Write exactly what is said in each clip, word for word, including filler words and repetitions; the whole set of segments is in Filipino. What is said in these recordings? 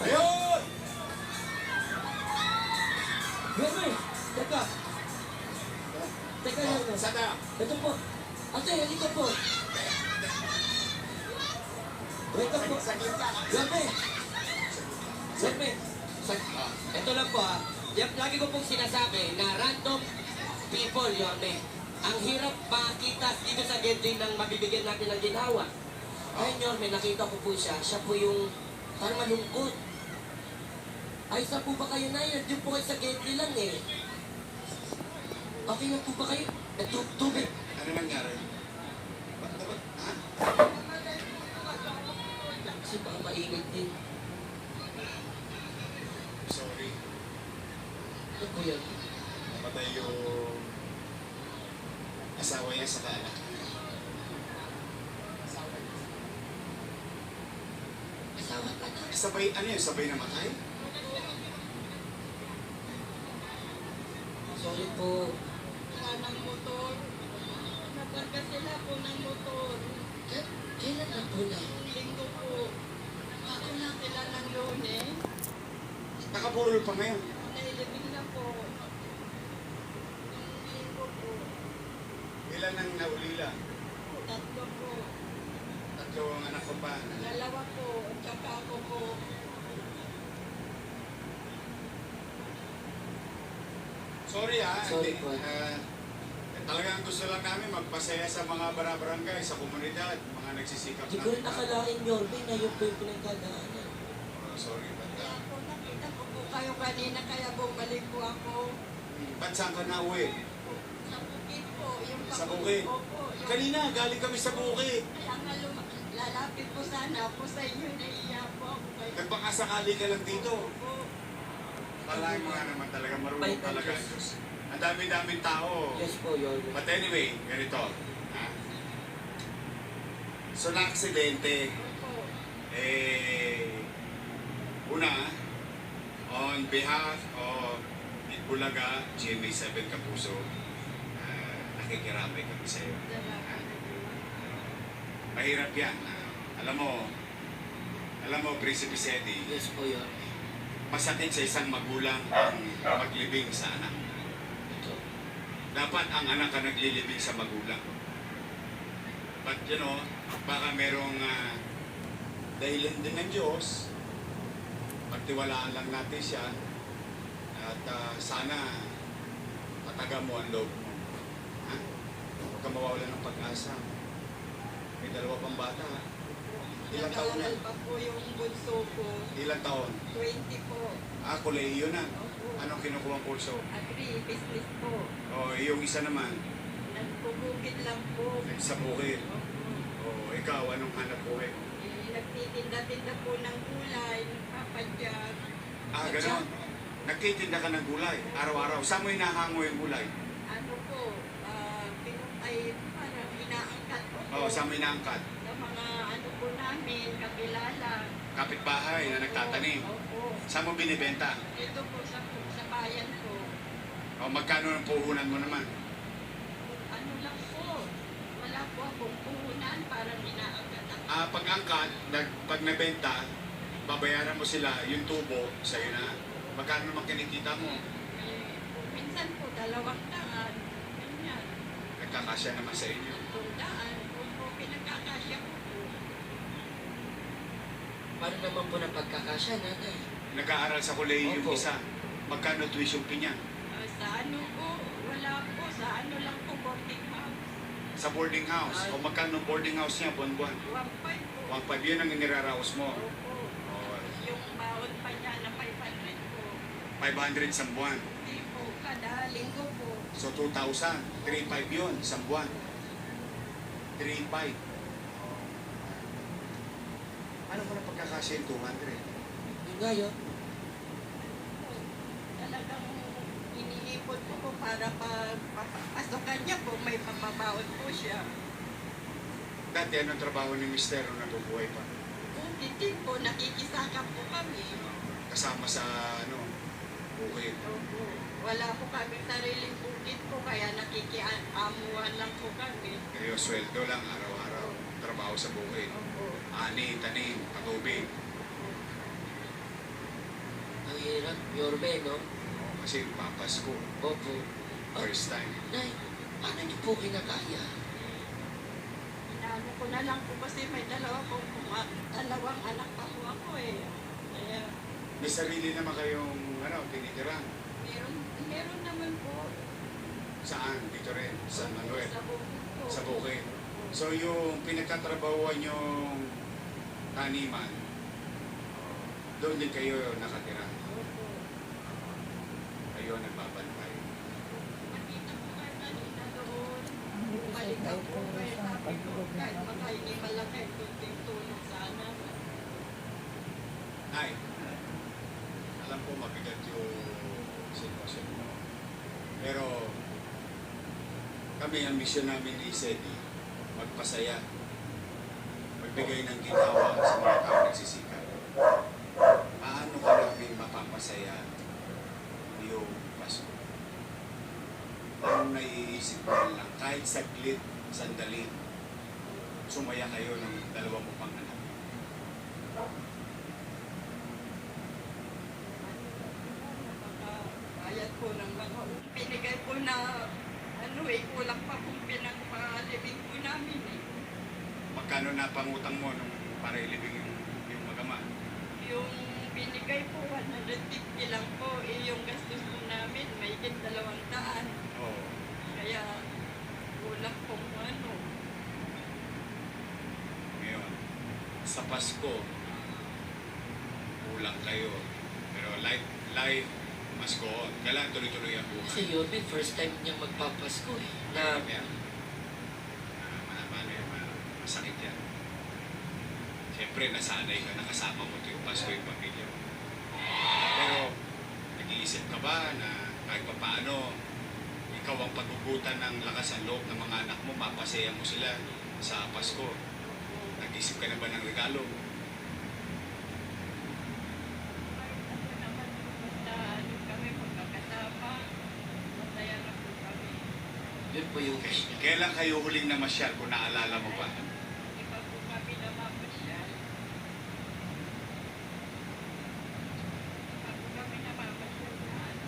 Ayun! Yorme, teka. Teka, Oh, Yorme. saan tayo? Ito po. Ate, halika po. Wait up po. Saglit ka. Yorme. Yorme. Sag... Ah. Ito lang po ha. Yan- Lagi ko pong sinasabi na random people, Yorme. Ang hirap makita dito sa gathering ng mabibigyan natin ng ginawa. Ngayon, Yorme, nakita ko po siya. Siya po yung parang malungkot. Ay, saan po ba kayo na yan? Diyan po kayo sa gathering lang eh. Okay na po ba kayo? Eh, tu tubig. Ano nangyari? Ba't dapat? Ha? Kasi baka mainit din. Sorry. Ano po yan? Namatay yung asawa niya sa anak. Asawa ka na. Sabay, ano yun? Sabay namatay? Sorry po. Wala ng motor. Nabarga sila po ng motor. K- kailan na po na? Linggo po. Ako lang sila ng Lunes. Nakapurol pa ngayon. Nailibing na po. Linggo po. Ilan ang naulila? Tatlo po. Tatlo ang anak ko pa. Dalawa po. At saka ako po. Sorry ha. Sorry Hindi, po. ah, talagang gusto lang namin magpasaya sa mga barabarangay, sa komunidad, mga nagsisikap Di ko rin nakalain, Yorme, na yun po yung pinagdadaanan. Oh, sorry, Kaya banda. po nakita ko po kayo kanina kaya bumalik po ako. Hmm, ba't saan ka na uwi? Sa bukid po. Yung Sa kapatid bukid? ko po. Yung- Kanina, galing kami sa bukid. Kaya nga lum- lalapit po sana po sa inyo. Naiiyak po ako kayo. Nagpakasakali ka lang dito. Opo. Talagang mga naman talaga marunong Bait ang talaga ang Diyos. Diyos. Ang dami-daming tao. Yes po, Yorme. But anyway, ganito. Ha? So, na-aksidente. Opo. Eh, una, on behalf of Itbulaga, G M A seven Kapuso, uh, nakikiramay kami sa iyo. Salamat. Mahirap yan. ah. alam mo, alam mo, Prinsipe Sedi, Yes po, Yorme. masakit sa isang magulang ang maglibing sa anak. Ito. Dapat ang anak ang naglilibing sa magulang. But you know, baka merong uh, dahilan din ng Diyos, pagtiwalaan lang natin siya, at ah, sana mataga mo ang loob mo. Ha? Huwag ka mawawala ng pag-asa. May dalawa pang bata. Ilang taon na? Nag-aaral pa po yung bunso ko. Ilang taon? twenty po. Ah, kolehiyo na. Opo. Anong kinukuha ang kurso? Agri, business po. O, yung isa naman, Nagpupukit lang po. sa bukid. Opo. O, ikaw, anong hanap buhay mo? Eh, nagtitinda-tinda po ng gulay, nagpapadyak. Ah, At gano'n. saka, Nagtitinda ka ng gulay, araw-araw. Saan mo hinahango yung gulay? Ano po, ah, pinu- ay parang inaangkat po po. O, saan mo inaangkat? Ng mga ano po namin, kakilala. Kapitbahay na nagtatanim. Opo. Saan mo binibenta? Ito po sa, sa bayan ko. O, magkano ang puhunan mo naman? Ano lang po, wala po akong puhunan, parang inaangkat ako. Ah, pag-angkat, nag, pag nabenta, babayaran mo sila yung tubo, sa'yo na. Magkano naman kinikita mo? Eh, minsan po, dalawang daan. Ganyan. Nagkakasya naman sa inyo. Tundaan. Kung po pinagkakasya ko po. Paano naman po ng pagkakasya, nanay? Nag-aaral sa kolehiyo yung Opo. isa. Magkano tuition fee niya? Ah, sa ano po, wala po. Sa ano lang po, boarding house. Sa boarding house. O magkano ang boarding house niya buwan-buwan? one five po. One five, yun ang iniraraos mo. Opo. O, Yung baon pa niya na five hundred po. five hundred sa buwan. Hindi po, kada linggo po. So, two thousand. three five yun, isang buwan. three five. Ano ko na pagkakasya yung two hundred? Yun nga yun. Talagang iniipon ko po para pa, papasokan niya po, may papabaon po siya. Dati, anong trabaho ni Mister nung nabubuhay pa? Kung hindi po, nakikisakap po kami. Kasama sa, ano, bukid. Opo. Wala po kami sariling bukid po, kaya nakikiamuan lang po kami. Kayo, sweldo lang, araw-araw. Trabaho sa bukid. Opo. Ani, tanim, patubig. Salamat, Yorme, no? Oo, kasi papas ko. Opo. First time. Nay, paano niyo po kinakaya? Inaano ko na lang po kasi may dalawa pong kuma- dalawang anak pa po ako eh. Kaya May sarili naman kayong ano, tinitira. meron, meron naman po. Saan? Dito rin. San Manuel. Sa bukid po. Sa bukid. So yung pinagkatrabahuan yung taniman, doon din kayo nakatira. Opo. Kayo nagbabantay. Nakita ko kayo kanina doon. Balik ako kayo sabi ko kahit makahingi malaki kunting tulong sana. Nay, alam ko mabigat yung sitwasyon mo. Pero kami, ang misyon namin ni Sedi, magpasaya, magbigay ng ginawa sa mga tao nagsisikap. Paano ka namin mapapasaya yung Pasko? Ang naiisip ko lang, kahit saglit, sandali, sumaya kayo ng dalawa mo pang anak. Bayad po ng mga pinigay po na ano eh, kulang pa pong pinagpalibing po namin eh. Magkano na pangutang mo nung para ilibing yung, yung magama? Yung binigay po, one hundred fifty lang po, eh yung gastos po namin, may dalawang daan. Oo. Kaya kulang pong ano. Ngayon, sa Pasko, kulang kayo. Pero life, life must go on. Kailangan tuloy-tuloy ang Kasi buhay. Yorme, first time niyang magpapasko eh. Na, Mahirap yan. Ah, Mahaba na yan. ma- Masakit yan. Siyempre, nasanay ka, nakasama mo ito yung Pasko yung pamilya mo. Pero, nag-iisip ka ba na kahit pa paano, ikaw ang pagbubutan ng lakas ng loob ng mga anak mo, mapasaya mo sila sa Pasko. Nag-isip ka na ba ng regalo? Ako naman po, basta ano kami, magkakasama, masaya na po kami. yun po yung Okay. Kailan kayo huling namasyal kung naalala mo pa? Hindi pa po kami namamasyal. Ako kami namamasyal na ano.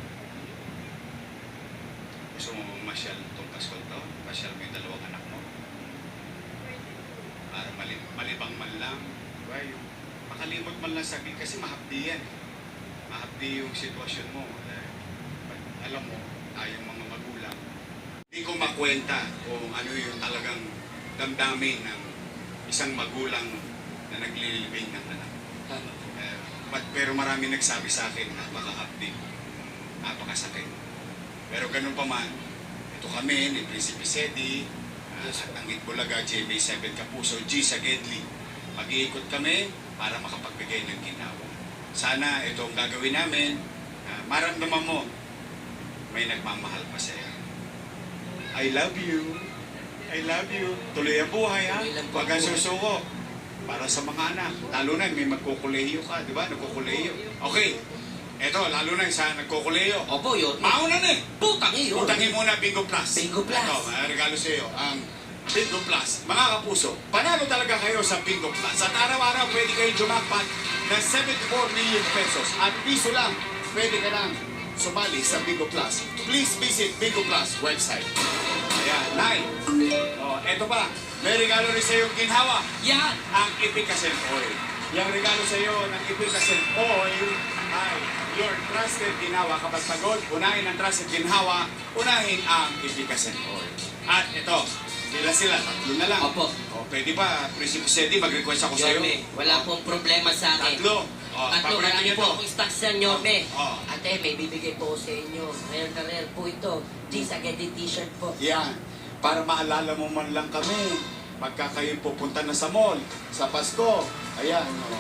Gusto mo masyal itong Pasko to? Masyal mo yung dalawang anak mo? Pwede po. Para mali malibang man lang. Diba? Yung makalimot man lang saglit kasi mahapdi yan. Mahapdi yung sitwasyon mo. Eh, alam mo, tayong mga magulang, hindi ko makwenta kung ano yung talagang damdamin ng isang magulang na naglilibing ng anak. tama po. Eh, but, pero marami nagsabi sa akin, napaka-update, napakasakit. Pero ganun pa man, ito kami ni Prinsipe Sedi, uh, at ang Itbulaga, J B seven Kapuso, G sa Gedli. Mag-iikot kami para makapagbigay ng ginawa. Sana itong gagawin namin, uh, maramdaman mo, may nagmamahal pa sa'yo. I love you. I love you. Tuloy ang buhay, ha? Tuloy lang po Huwag kang ang buhay. susuko. Para sa mga anak. Lalo na may magkukuleyo ka, di ba? Nagkukuleyo. Okay. Eto, lalo na yung sa nagkukuleyo. Opo, Yorme. Mauna na eh. Putang eh, Yorme. Utangin muna Bingo Plus. Bingo Plus. Ito, may regalo sa iyo. Ang Bingo Plus. Mga kapuso, panalo talaga kayo sa Bingo Plus. At araw-araw pwede kayo jumakpat ng seventy-four million pesos. At piso lang, pwede ka lang sumali sa Bingo Plus. Please visit Bingo Plus website. Ayan, nine. Oh, eto pa. May regalo rin sa iyo ginhawa. Yan! Ang Ipikasen Oil. Yung regalo sa iyo ng Ipikasen Oil ay your trusted ginawa. Kapag pagod, unahin ang trusted ginawa, unahin ang Ipikasen Oil. At ito, sila sila, tatlo na lang. Opo. O, pwede ba, Prinsipe Sedi, mag-request ako sa iyo? Yorme, wala pong problema sa akin. Tatlo. O, Tatlo, paborito marami niyo po to. akong stocks yan, Yorme. Oh. Ate, may bibigay po ko sa inyo. Rare na rare po ito. G sa Gedli t-shirt po. Yan. Para maalala mo man lang kami. Pagka kayo pupunta na sa mall, sa Pasko. Ayan. O.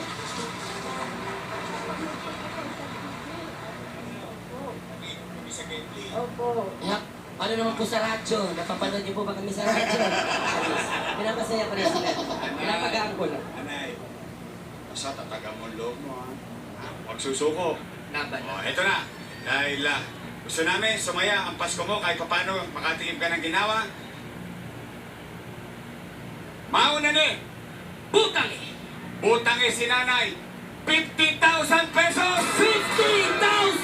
Sa Gately. Opo. Yak, paano naman po sa radyo? Napapanood niyo po ba kami sa radyo? Pinapasaya ko na sila. Pinapagaan ko lang. Anay, basta tataga mo ang loob mo, ha? Ha? Huwag susuko. Laban O, na. eto na. Dahil ah, gusto namin sumaya ang Pasko mo kahit paano makatingin ka ng ginawa. Mauna ni, Butang eh! butang eh si nanay, fifty thousand pesos! fifty thousand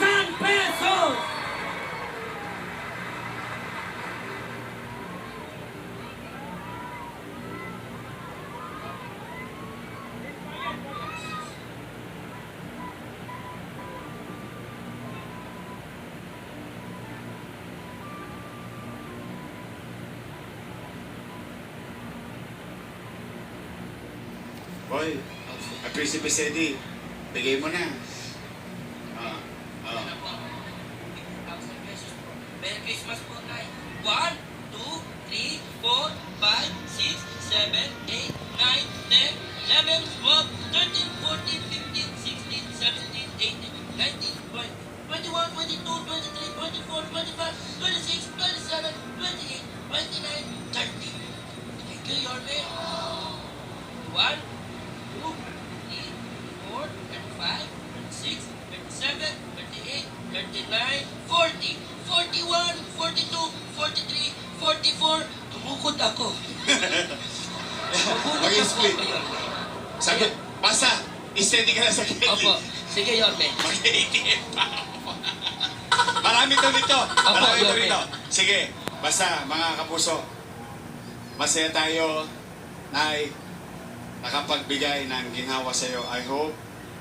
Oy, at Prinsipe Sedi, bigay mo na. Ah, ah. fifty thousand pesos po. Merry Christmas po, Nay. one, two, three, four, five, six, seven, eight, nine, ten, eleven, twelve, thirteen, fourteen, fifteen, sixteen, seventeen, eighteen, nineteen, twenty, twenty-one, twenty-two, twenty-three, twenty-four, twenty-five, twenty-six, twenty-seven, twenty-eight, twenty-nine, thirty. Thank you, Yorme. one, two, three, four, thirty-five, thirty-six, thirty-seven, thirty-eight, thirty-nine, forty, forty-one, forty-two, forty-three, forty-four. Tumukod ako. Tumukod Mag-split. ako, Yorme. Sagot, basta, steady ka na sa gilid. Opo. Sige, Yorme. Mag-A T M pa ako. Marami to nito. Marami to Yorme. nito. Sige, basta mga kapuso, masaya tayo, Nay, nakapagbigay ng ginhawa sa iyo. I hope.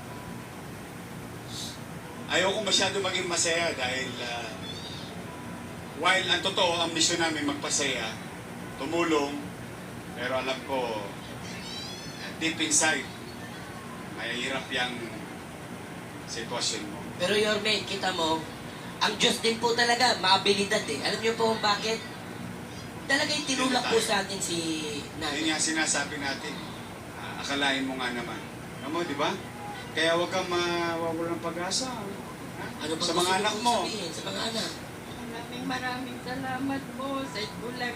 Ayoko masyado maging masaya dahil uh, while ang totoo, ang misyon namin magpasaya, tumulong, pero alam ko, deep inside, mahirap yung sitwasyon mo. Pero Yorme, kita mo, ang Diyos din po talaga, maabilidad eh. Alam niyo po kung bakit? Talagang tinulak po sa atin si Yun Nanay. nga sinasabi natin. Ah, akalain mo nga naman. Alam mo, di ba? Kaya huwag kang mawawalan ng pag-asa. Ha? Ano ba Sa gusto mga niyo anak pong mo. sabihin? Sa mga anak. Maraming maraming salamat po sa Itbulaga.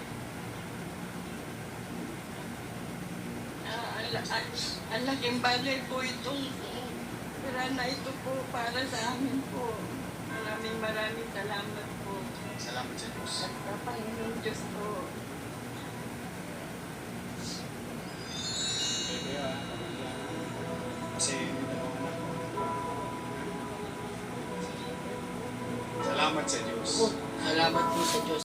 Ah, ang, ang, ang laking bagay po itong pera na ito po para sa amin po. Maraming maraming salamat po. Salamat sa Diyos. At sa Panginoon Diyos po. Kasi salamat sa Diyos. Salamat po sa Diyos.